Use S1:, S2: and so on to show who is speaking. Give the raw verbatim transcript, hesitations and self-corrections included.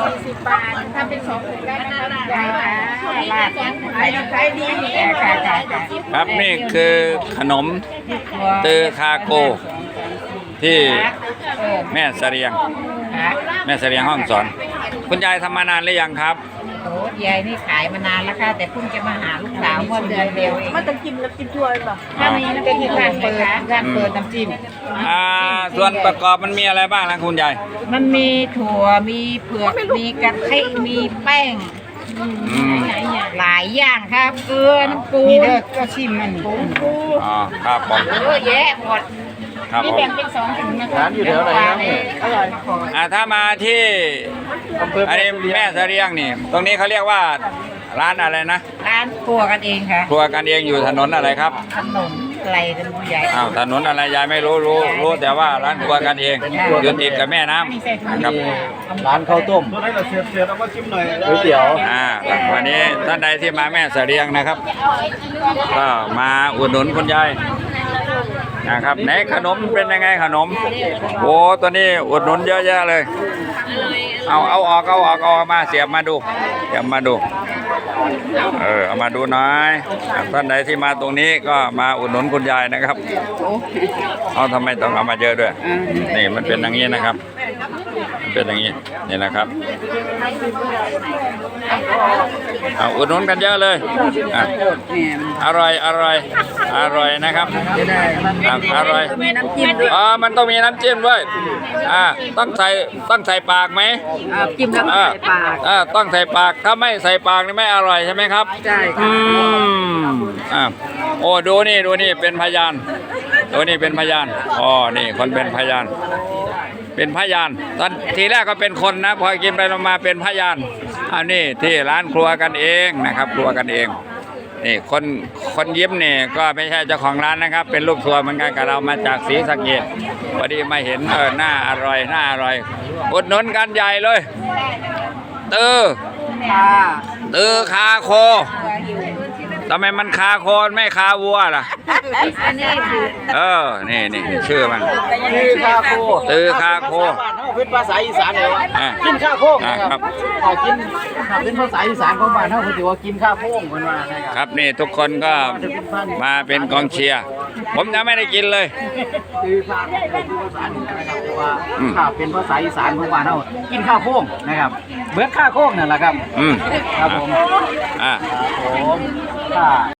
S1: สี่สิบบาททำเป็นสองถุงได้นะคะยายค่ะลาดขายขายดีค่ะค่ะ
S2: ครับนี่คือขนมตือคาโกที่แม่เสรียงแม่เสรียงห้องสอนคุณยายทำมานานหรือยังครับ
S1: โอ้ยายนี่ขายมานานแล้วค่ะแต่เพิ่งจะมาหาลูกสาวเมื่อเดือนเดียวเองมันจะกินแล้วกินถ้วยหรอถ้ามีน้ำจิ้มร้านเปิดร้านเปิดน้ำจิ้ม
S2: อ่าส่วนประกอบมันมีอะไรบ้างนะคุณยาย
S1: มันมีถั่วมีเผือกมีกะทิมีแป้งหลายอย่างครับเกลือน้ำปูนี่เด้อก็ชิมมันปูปู
S2: อ๋อครับผม
S1: เยอะแยะหมดนี่แบ่งเป็นสองถุงนะคะร้านอยู่แถวไหนครับอร่อย
S2: อ่าถ้ามาที่อันนี้แม่เสรียงนี่ตรงนี้เขาเรียกว่าร้านอะไรนะ
S1: ร้านครัวกันเองค่ะ
S2: ครัวกันเองอยู่ถนนอะไรครับ
S1: ถนนอะไรกันผู้ใหญ่
S2: อ้าวถนนอะไรยายไม่รู้รู้รู้แต่ว่าร้านครัวกันเองอยู่ติดกับแม่น้ำนะครับ
S3: ร้านข้าวต้มตัวไหนเราเสียบเสียบเอามาชิมหน่อยก๋วยเตี๋ยว
S2: อ่าวันนี้ท่านใดที่มาแม่เสรียงนะครับก็มาอุดหนุนคุณยายนะครับไหนขนมเป็นยังไงขนมโอ้ตัวนี้อุดหนุนเยอะแยะเลยเอาเอาออกเอาออกเอามาเสียบมาดูเสียบมาดูเออเอามาดูหน่อยท่านใดที่มาตรงนี้ก็มาอุดหนุนคุณยายนะครับเอาทำไมต้องเอามาเยอะด้วยนี่มันเป็นอย่างนี้นะครับมันเป็นอย่างนี้นี่นะครับเอาอุดหนุนกันเยอะเลยอร่อยอร่อยอร่อยนะครับอร่อยอ๋อมันต้องมีน้ำจิ้มด้วยอ่าต้องใส่ต้องใส่ปากไหม
S1: จิ้มแล้วใส่ปาก
S2: อ่าต้องใส่ปากถ้าไม่ใส่ปากนี่ไม่อร่อยใช่ไหมครับ
S1: ใช่
S2: อืมอ่าโอ้ดูนี่ดูนี่เป็นพยานดูนี่เป็นพยานอ๋อนี่คนเป็นพยานเป็นพยานตอนทีแรกก็เป็นคนนะพอกินไปมาเป็นพยานอันนี้ที่ร้านครัวกันเองนะครับครัวกันเองนี่คนคนยิ้มนี่ก็ไม่ใช่เจ้าของร้านนะครับเป็นลูกทัวร์เหมือนกันกับเรามาจากศรีสะเกษพอดีมาเห็นเออหน้าอร่อยหน้าอร่อยอุดหนุนกันใหญ่เลยตือตือคาโคทำไมมันคาโคไม่คาวัวล่ะเออนี่นี่ชื่อมัน
S3: ตือคาโค
S2: ตือคาโค
S3: เป็นภาษาอีสานเลยกินข้าวโพกครับกินเป็นภาษาอีสานของบ้านเขาถือว่ากินข้าวโพกเหมือนว่า
S2: ครับนี่ทุกคนก็มาเป็นกองเชียร์ผมยังไม่ได้กินเลย
S3: คือข้าวเป็นภาษาเหนือนะครับแต่ว่าข้าวเป็นภาษาอีสานของบ้านเขากินข้าวโพกนะครับเหมือนข้าวโพกนั่นแหละครับ
S2: อืม
S3: ครับผม
S2: อ่า
S3: ผมค่ะ